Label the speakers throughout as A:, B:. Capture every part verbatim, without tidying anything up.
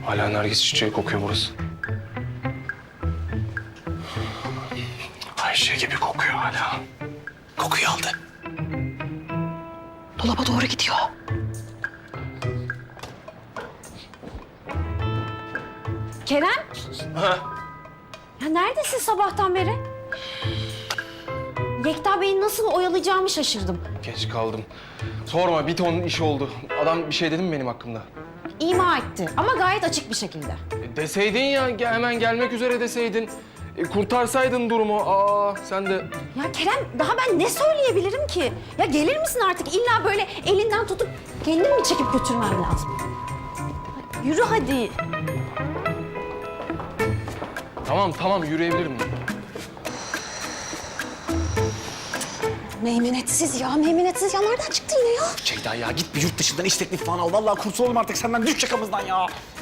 A: Hala nergis çiçeği kokuyor burası. Ayşe gibi kokuyor hala.
B: Kokuyu aldı.
C: Dolaba doğru gidiyor.
D: Kerem?
A: Ha?
D: Ya neredesin sabahtan beri? Yekta Bey'i nasıl oyalayacağımı şaşırdım.
A: Geç kaldım. Sorma, bir ton iş oldu. Adam bir şey dedi mi benim hakkımda?
D: İma etti ama gayet açık bir şekilde.
A: E, deseydin ya, ge- hemen gelmek üzere deseydin. E, kurtarsaydın durumu. Aa, sen de...
D: Ya Kerem daha ben ne söyleyebilirim ki? Ya gelir misin artık? İlla böyle elinden tutup kendin mi çekip götürmem lazım? Yürü hadi.
A: Tamam, tamam, yürüyebilir miyim?
C: Meymenetsiz ya, meymenetsiz ya. Nereden çıktı yine ya?
B: Ceyda ya git bir yurt dışından iş teklifi falan al. Vallahi kurtulalım artık senden. Düş yakamızdan ya.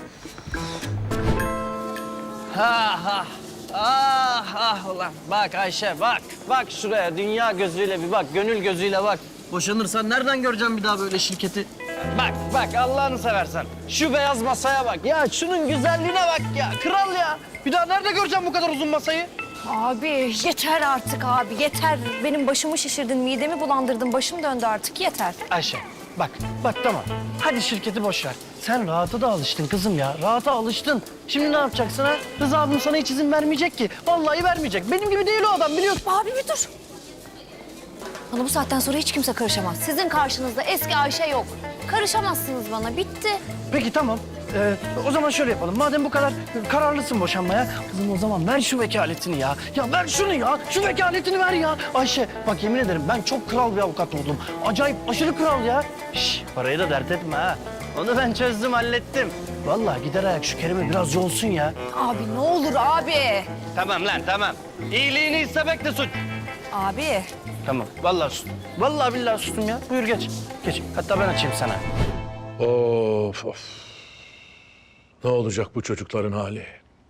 E: Ha ha. Ah ah ulan. Bak Ayşe bak. Bak şuraya dünya gözüyle bir bak. Gönül gözüyle bak. Boşanırsan nereden göreceğim bir daha böyle şirketi? Bak bak Allah'ını seversen. Şu beyaz masaya bak. Ya şunun güzelliğine bak ya. Kral ya. Bir daha nerede göreceğim bu kadar uzun masayı?
F: Abi yeter artık abi yeter. Benim başımı şişirdin, midemi bulandırdın, başım döndü artık yeter.
E: Ayşe bak bak tamam. Hadi şirketi boş ver. Sen rahata da alıştın kızım ya. Rahata alıştın. Şimdi ne yapacaksın ha? Rıza abim sana hiç izin vermeyecek ki. Vallahi vermeyecek. Benim gibi değil o adam biliyorsun.
F: Abi bir dur. Bana bu saatten sonra hiç kimse karışamaz. Sizin karşınızda eski Ayşe yok. Karışamazsınız bana, bitti.
E: Peki tamam. Ee, o zaman şöyle yapalım. Madem bu kadar kararlısın boşanmaya, kızım o zaman ver şu vekaletini ya. Ya ver şunu ya. Şu vekaletini ver ya. Ayşe bak yemin ederim ben çok kral bir avukat oldum. Acayip aşırı kral ya. Şş, parayı da dert etme ha. Onu ben çözdüm, hallettim. Vallahi gider ayak şu Kerem'e biraz yolsun ya.
F: Abi ne olur abi.
E: Tamam lan tamam. İyiliğini istemek de suç.
F: Abi.
E: Tamam vallahi sustum. Vallahi billahi sustum ya. Buyur geç. Geç. Hatta ben açayım sana.
G: Of of. Ne olacak bu çocukların hali?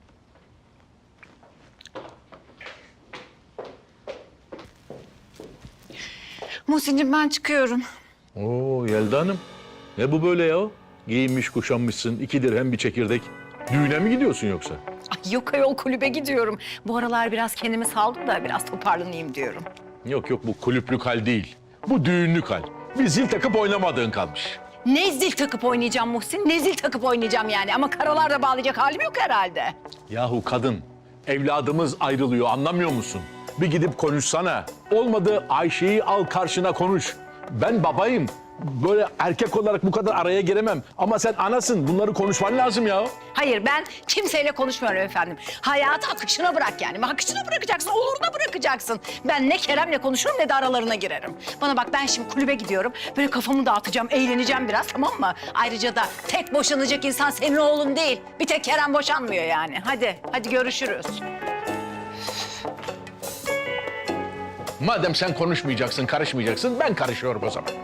C: Muhsin'cim ben çıkıyorum.
G: Oo Yelda Hanım. Ne bu böyle ya? Giyinmiş kuşanmışsın, iki dirhem bir çekirdek. Düğüne mi gidiyorsun yoksa?
C: Ay yok ayol kulübe gidiyorum. Bu aralar biraz kendimi saldım da biraz toparlanayım diyorum.
G: Yok yok bu kulüplük hal değil. Bu düğünlük hal. Bir zil takıp oynamadığın kalmış.
C: Ne zil takıp oynayacağım Muhsin? Ne zil takıp oynayacağım yani? Ama karalarda bağlayacak halim yok herhalde.
G: Yahu kadın, evladımız ayrılıyor anlamıyor musun? Bir gidip konuşsana. Olmadı Ayşe'yi al karşına konuş. Ben babayım. Böyle erkek olarak bu kadar araya giremem. Ama sen anasın. Bunları konuşman lazım ya.
C: Hayır ben kimseyle konuşmuyorum efendim. Hayatı akışına bırak yani. Akışına bırakacaksın, oluruna bırakacaksın. Ben ne Kerem'le konuşurum ne de aralarına girerim. Bana bak ben şimdi kulübe gidiyorum. Böyle kafamı dağıtacağım, eğleneceğim biraz tamam mı? Ayrıca da tek boşanacak insan senin oğlun değil. Bir tek Kerem boşanmıyor yani. Hadi, hadi görüşürüz.
G: Madem sen konuşmayacaksın, karışmayacaksın, ben karışıyorum o zaman.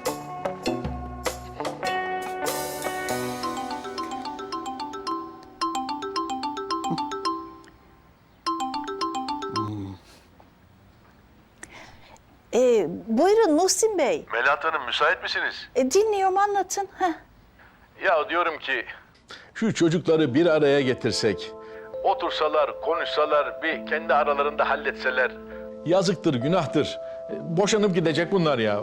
H: Ee, buyurun Muhsin Bey.
G: Melahat Hanım müsait misiniz?
H: E, dinliyorum anlatın. Heh.
G: Ya diyorum ki... Şu çocukları bir araya getirsek, otursalar, konuşsalar, bir kendi aralarında halletseler. Yazıktır, günahtır. Boşanıp gidecek bunlar ya.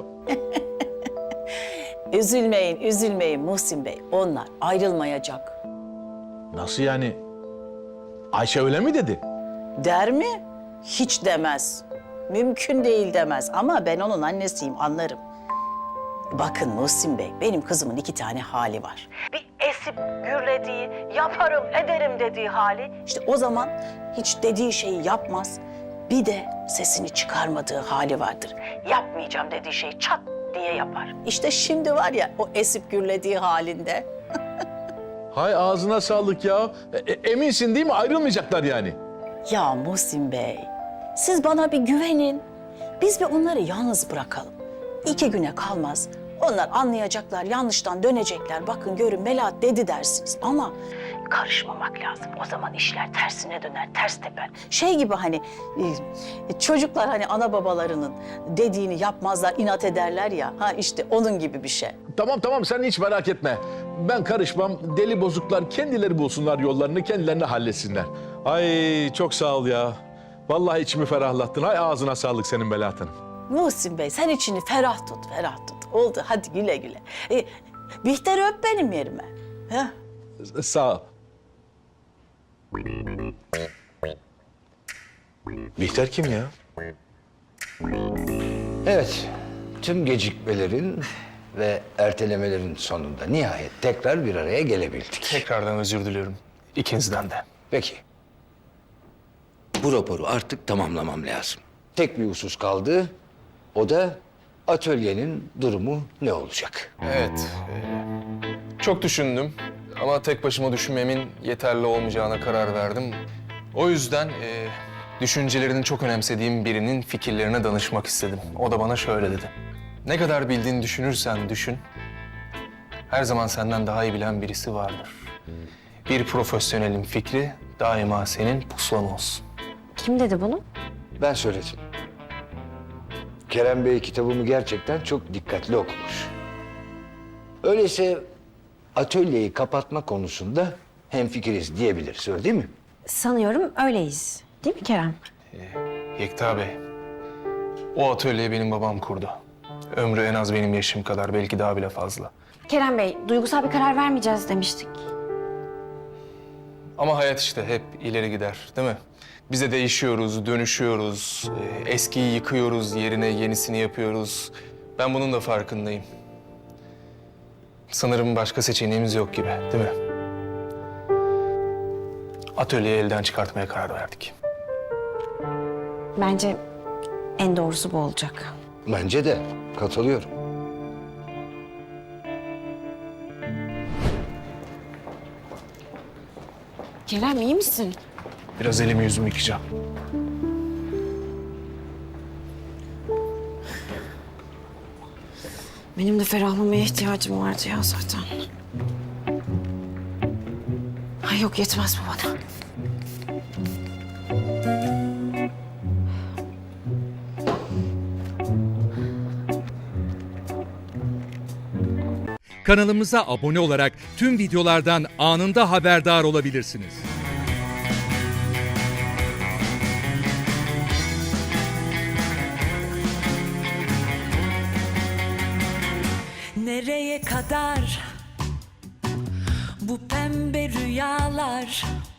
H: Üzülmeyin, üzülmeyin Muhsin Bey. Onlar ayrılmayacak.
G: Nasıl yani? Ayşe öyle mi dedi?
H: Der mi? Hiç demez. Mümkün değil demez. Ama ben onun annesiyim, anlarım. Bakın Muhsin Bey, benim kızımın iki tane hali var. Bir esip gürlediği, yaparım, ederim dediği hali. İşte o zaman hiç dediği şeyi yapmaz. Bir de sesini çıkarmadığı hali vardır. Yapmayacağım dediği şeyi çat diye yapar. İşte şimdi var ya o esip gürlediği halinde.
G: Hay ağzına sağlık ya. E, e, eminsin değil mi? Ayrılmayacaklar yani.
H: Ya Muhsin Bey, siz bana bir güvenin. Biz bir onları yalnız bırakalım. İki güne kalmaz. Onlar anlayacaklar, yanlıştan dönecekler. Bakın görün Melahat dedi dersiniz ama karışmamak lazım. O zaman işler tersine döner, ters teper. Şey gibi hani e, çocuklar hani ana babalarının dediğini yapmazlar, inat ederler ya. Ha işte onun gibi bir şey.
G: Tamam tamam sen hiç merak etme. Ben karışmam. Deli bozuklar kendileri bulsunlar yollarını, kendilerini halletsinler. Ay çok sağ ol ya. Vallahi içimi ferahlattın. Hay ağzına sağlık senin Melahat Hanım.
H: Muhsin Bey sen içini ferah tut, ferah tut. Oldu hadi güle güle. E, Bihter'i öp benim yerime. Heh.
G: Sağ ol. Bihter kim ya?
I: Evet, tüm gecikmelerin ve ertelemelerin sonunda nihayet tekrar bir araya gelebildik.
A: Tekrardan özür diliyorum. İkinizden de.
I: Peki. Bu raporu artık tamamlamam lazım. Tek bir husus kaldı. O da atölyenin durumu ne olacak?
A: Evet. e, çok düşündüm ama tek başıma düşünmemin yeterli olmayacağına karar verdim. O yüzden e, düşüncelerini çok önemsediğim birinin fikirlerine danışmak istedim. O da bana şöyle dedi. Ne kadar bildiğini düşünürsen düşün, her zaman senden daha iyi bilen birisi vardır. Bir profesyonelin fikri daima senin pusulan olsun.
D: Kim dedi bunu?
I: Ben söyledim. Kerem Bey kitabımı gerçekten çok dikkatli okumuş. Öyleyse atölyeyi kapatma konusunda hemfikiriz diyebiliriz, öyle değil mi?
D: Sanıyorum öyleyiz. Değil mi Kerem?
A: Yekta Bey, o atölyeyi benim babam kurdu. Ömrü en az benim yaşım kadar, belki daha bile fazla.
D: Kerem Bey, duygusal bir karar vermeyeceğiz demiştik.
A: Ama hayat işte hep ileri gider, değil mi? Biz de değişiyoruz, dönüşüyoruz, e, eskiyi yıkıyoruz, yerine yenisini yapıyoruz. Ben bunun da farkındayım. Sanırım başka seçeneğimiz yok gibi, değil mi? Atölyeyi elden çıkartmaya karar verdik.
D: Bence en doğrusu bu olacak.
I: Bence de. Katılıyorum.
D: Kerem iyi misin?
A: Biraz elimi yüzümü yıkayacağım.
D: Benim de ferahlamaya ihtiyacım vardı ya zaten. Ay yok yetmez bu bana.
J: Kanalımıza abone olarak tüm videolardan anında haberdar olabilirsiniz.
K: Nereye kadar bu pembe rüyalar,